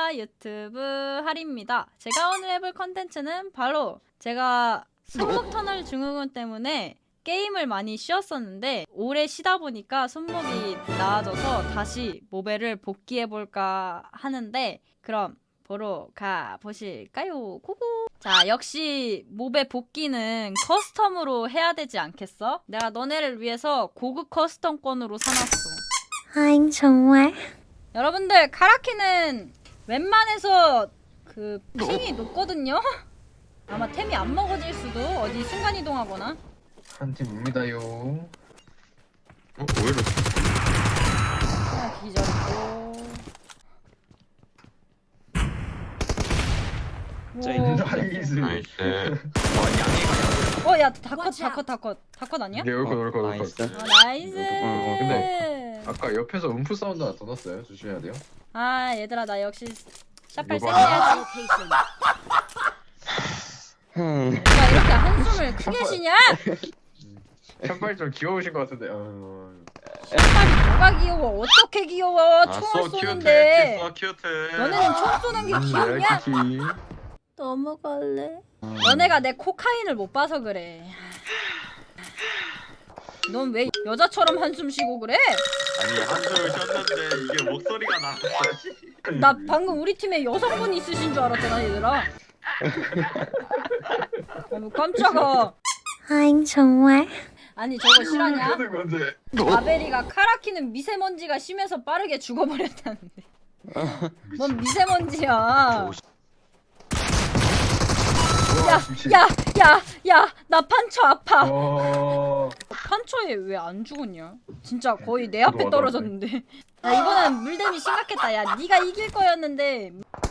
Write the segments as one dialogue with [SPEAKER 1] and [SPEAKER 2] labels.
[SPEAKER 1] 안녕하십니까, 유튜브 하리입니다. 제가 오늘 해볼 컨텐츠는 바로 제가 손목 터널 증후군 때문에 게임을 많이 쉬었었는데 오래 쉬다 보니까 손목이 나아져서 다시 모베를 복귀해볼까 하는데, 그럼 보러 가보실까요? 고고! 자, 역시 모베 복귀는 커스텀으로 해야 되지 않겠어? 내가 너네를 위해서 고급 커스텀권으로 사놨어.
[SPEAKER 2] 아잉 정말?
[SPEAKER 1] 여러분들, 카라키는 웬만해서 그 핑이 높거든요? 아마 템이 안 먹어질 수도. 어디 순간이동하거나.
[SPEAKER 3] 한팀 옵니다요.
[SPEAKER 4] 오히려
[SPEAKER 1] 하나 기절이고.
[SPEAKER 4] 쩌잉.
[SPEAKER 3] 나이스.
[SPEAKER 4] 나이스.
[SPEAKER 1] 야, 다컷 아니야?
[SPEAKER 3] 네, 얼컷.
[SPEAKER 4] 나이스.
[SPEAKER 1] 나이스.
[SPEAKER 3] 근데 아까 옆에서 음프 사운드 하나 더 났어요. 조심해야 돼요.
[SPEAKER 1] 아, 얘들아, 나 역시 샷발
[SPEAKER 3] 요거
[SPEAKER 1] 세야지. 누가 이렇게 한숨을 크게 쉬냐?
[SPEAKER 3] 샷발 좀 귀여우신 것 같은데.
[SPEAKER 1] 샷발이 뭐가 귀여워? 어떻게 귀여워? 총을 쏘는데.
[SPEAKER 4] 큐트.
[SPEAKER 1] 너네는 총 쏘는 게 귀엽냐? 넘어갈래? 너네가 내 코카인을 못 봐서 그래. 넌 왜 여자처럼 한숨 쉬고 그래?
[SPEAKER 4] 아니 한숨을 쉬었는데 이게 목소리가 나왔지.
[SPEAKER 1] 나 방금 우리 팀에 여성분 있으신 줄 알았잖아, 얘들아. 어머, 깜짝아.
[SPEAKER 2] 아잉 정말?
[SPEAKER 1] 아니, 저거 실화냐?
[SPEAKER 3] 하는 건데.
[SPEAKER 1] 아베리가 카라키는 미세먼지가 심해서 빠르게 죽어버렸다는데. 뭔 미세먼지야. 야, 나 판처 아파. 판처에 왜 안 죽었냐? 진짜 거의 내 앞에 떨어졌는데. 야, 이거는 물댐이 심각했다. 야, 네가 이길 거였는데.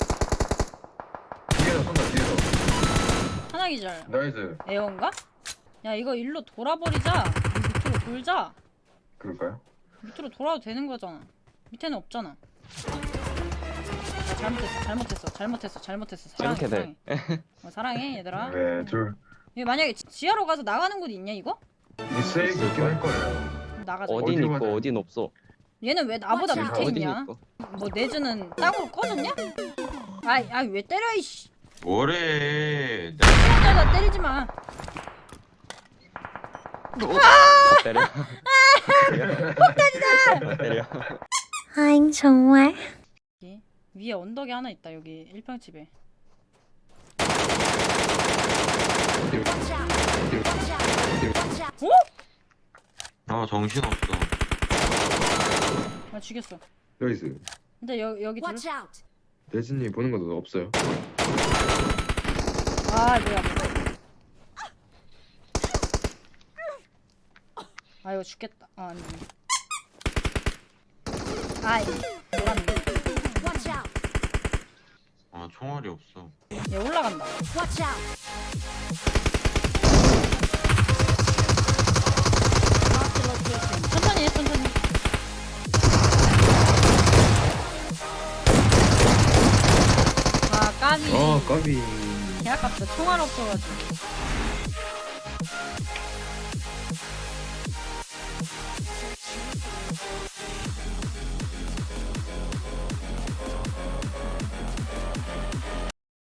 [SPEAKER 3] 뒤에서 쏜다, 뒤에서.
[SPEAKER 1] 하나 기절.
[SPEAKER 3] 나이스.
[SPEAKER 1] 에어인가? 야, 이거 일로 돌아버리자. 밑으로 돌자.
[SPEAKER 3] 그럴까요?
[SPEAKER 1] 밑으로 돌아도 되는 거잖아. 밑에는 없잖아. 야, 잘못했어. 사랑해,
[SPEAKER 4] 이렇게
[SPEAKER 1] 사랑해. 사랑해, 얘들아.
[SPEAKER 3] 네,
[SPEAKER 1] 얘 만약에 지하로 가서 나가는 곳 있냐, 이거?
[SPEAKER 3] 있을 있긴 할 거예요.
[SPEAKER 1] 그럼 나가자.
[SPEAKER 4] 어딘
[SPEAKER 3] 어디로
[SPEAKER 4] 있고
[SPEAKER 3] 가자.
[SPEAKER 4] 어딘 없어.
[SPEAKER 1] 얘는 왜 나보다
[SPEAKER 2] 맞아.
[SPEAKER 1] 밑에
[SPEAKER 4] 어딘
[SPEAKER 1] 있냐?
[SPEAKER 4] 있고.
[SPEAKER 1] 뭐 내주는 땅으로 꺼졌냐? 아이 왜 때려, 이씨.
[SPEAKER 4] 뭐래?
[SPEAKER 1] 혼자다 때리지 마.
[SPEAKER 4] 때려. 폭탄이다. 때려.
[SPEAKER 2] 아잉 정말?
[SPEAKER 1] 여기, 위에 언덕이 하나 있다. 여기 1평집에. 어?
[SPEAKER 4] 아 정신 없어.
[SPEAKER 1] 아, 죽였어.
[SPEAKER 3] 나이스.
[SPEAKER 1] 근데 여기 둘.
[SPEAKER 3] 대진님 보는 것도 없어요.
[SPEAKER 1] 아, 뭐야. 아, 이거 죽겠다. 아, 아니. 아이, 놀았네.
[SPEAKER 4] 아 총알이 없어.
[SPEAKER 1] 얘 올라간다. 천천히 해, 천천히. 아, 까비.
[SPEAKER 3] 까비.
[SPEAKER 1] 개 아깝다. 총알 없어가지고.